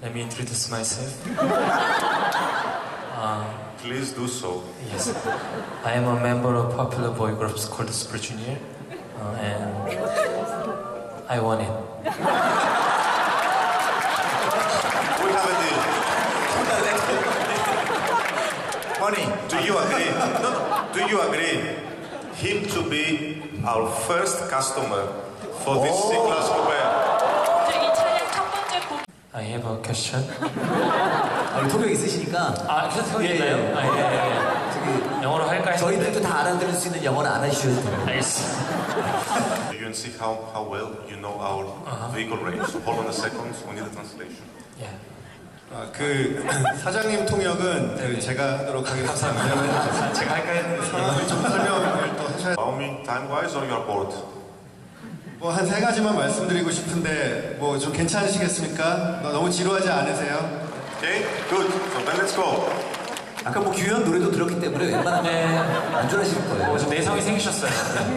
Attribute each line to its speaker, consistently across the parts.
Speaker 1: Let me introduce myself.
Speaker 2: Please do so.
Speaker 1: Yes, I am a member of popular boy groups called Super Junior, and I won it.
Speaker 2: We have a deal. Honey, do you agree? No. Do you agree him to be our first customer for this C-Class coupe?
Speaker 3: 이 차량 첫 번째
Speaker 1: I have a question.
Speaker 4: 우리 통역 있으시니까.
Speaker 1: 그래서 형 있나요?
Speaker 4: 저기
Speaker 1: 영어로 할까 했는데.
Speaker 4: 저희들도 다 알아들을 수 있는 영어는 안 하셔도 돼요.
Speaker 1: 알겠습니다.
Speaker 2: You can see how well you know our vehicle range. Hold on a second. We need a translation.
Speaker 1: Yeah.
Speaker 5: 그 사장님 통역은 그 제가 하도록 하겠습니다. 왜냐면
Speaker 1: 제가 할까 했는데.
Speaker 5: 상황을 좀 설명을 또 하셔야.
Speaker 2: Allow me time-wise or you are bored?
Speaker 5: 뭐 한 세 가지만 말씀드리고 싶은데 뭐 좀 괜찮으시겠습니까? 너무 지루하지 않으세요?
Speaker 2: Okay, good. So then let's go.
Speaker 4: 아까 뭐 규현 노래도 들었기 때문에 웬만하면 안전하실 거예요.
Speaker 1: 좀 내성이 생기셨어요.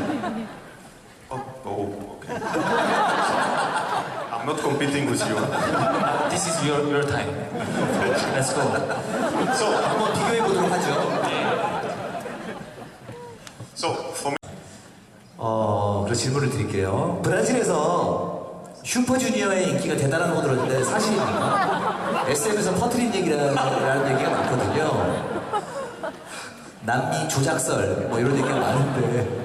Speaker 2: Okay. I'm not competing with you.
Speaker 1: This is your time. Let's go.
Speaker 2: So,
Speaker 4: 한번 비교해 보도록 하죠.
Speaker 2: for me,
Speaker 4: 그런 질문을 드릴게요. 브라질에서 슈퍼주니어의 인기가 대단한 거 들었는데 사실입니까? SM에서 퍼트린 얘기라는 얘기가 많거든요. 남미 조작설 뭐 이런 얘기가 많은데.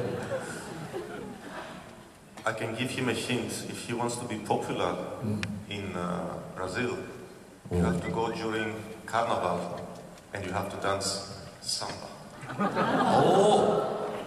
Speaker 2: I can give him a hint. If he wants to be popular in Brazil, you have to go during Carnival and you have to dance samba.
Speaker 4: 오,